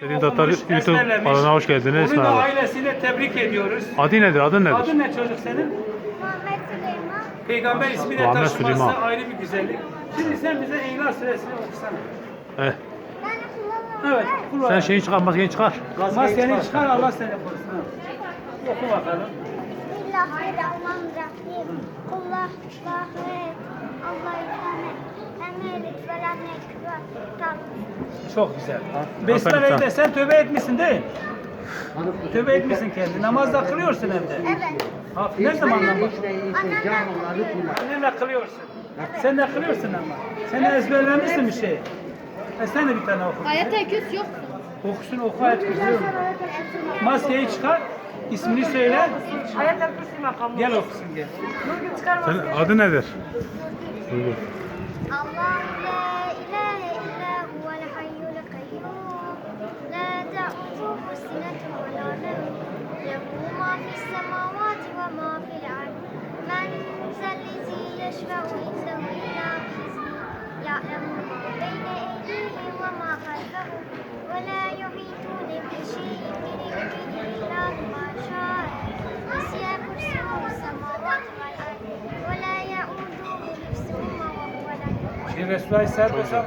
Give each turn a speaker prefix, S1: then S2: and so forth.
S1: Dediğin Tatar
S2: okumuş,
S1: YouTube
S2: ezberlemiş.
S1: kanalına hoş geldiniz.
S2: Onu da
S1: Merhaba.
S2: ailesiyle tebrik ediyoruz.
S1: Adı nedir? Adın nedir?
S2: Adın ne çocuk senin?
S3: Muhammed Süleyman.
S2: Peygamber ismiyle
S1: Muhammed
S2: taşıması
S1: Süleyman.
S2: ayrı bir güzellik. Şimdi sen bize İhlas Suresini okusana.
S1: Evet.
S3: Ben kullanıyorum.
S2: Evet. Kul
S1: Sen şeyi çıkar, maskeyi çıkar.
S2: Maskeni çıkar, Allah seni korusun. Ha. Oku bakalım.
S3: Bismillahirrahmanirrahim. Kullah, Allah'ı emanet. Emelik ve lannet ve
S2: Çok güzel.
S1: Aferin
S2: Besmele'yi
S1: sana.
S2: de sen tövbe etmişsin değil mi? Tövbe etmişsin kendi. Namazda kılıyorsun evde.
S3: Evet.
S2: Ha, ne zamandan bak?
S3: Annemle
S2: Annenle kılıyorsun. Sen de kılıyorsun ama. Sen de ezberlemişsin bir şey. Sen de bir tane oku.
S4: Ayet-i Kürs yok.
S2: Okusun, oku ayet kızıyorum. Maskeyi çıkar, ismini söyle. Gel okusun gel.
S1: Senin adı nedir?
S3: Allah la ilahe illa huvel hayyul kayyum. La ta'khudhuhu sinatun ve la nawm. Lehu ma fis semavati ve ma fil ard. Men zellezi yeşfe'u indehu illa bi'izni. Ya'lemu ma beyne eydihim ve ma halfahum. Ve la yuhitune bi şey'in min ilmihi illa bima şa'a. Vesi'a kursiyuhu semavati vel ard. Ve la ya'uduhu hifzuhuma ve huvel aliyyul azim.
S2: Şimdi Resulullah Aleyhisselatü Vesselam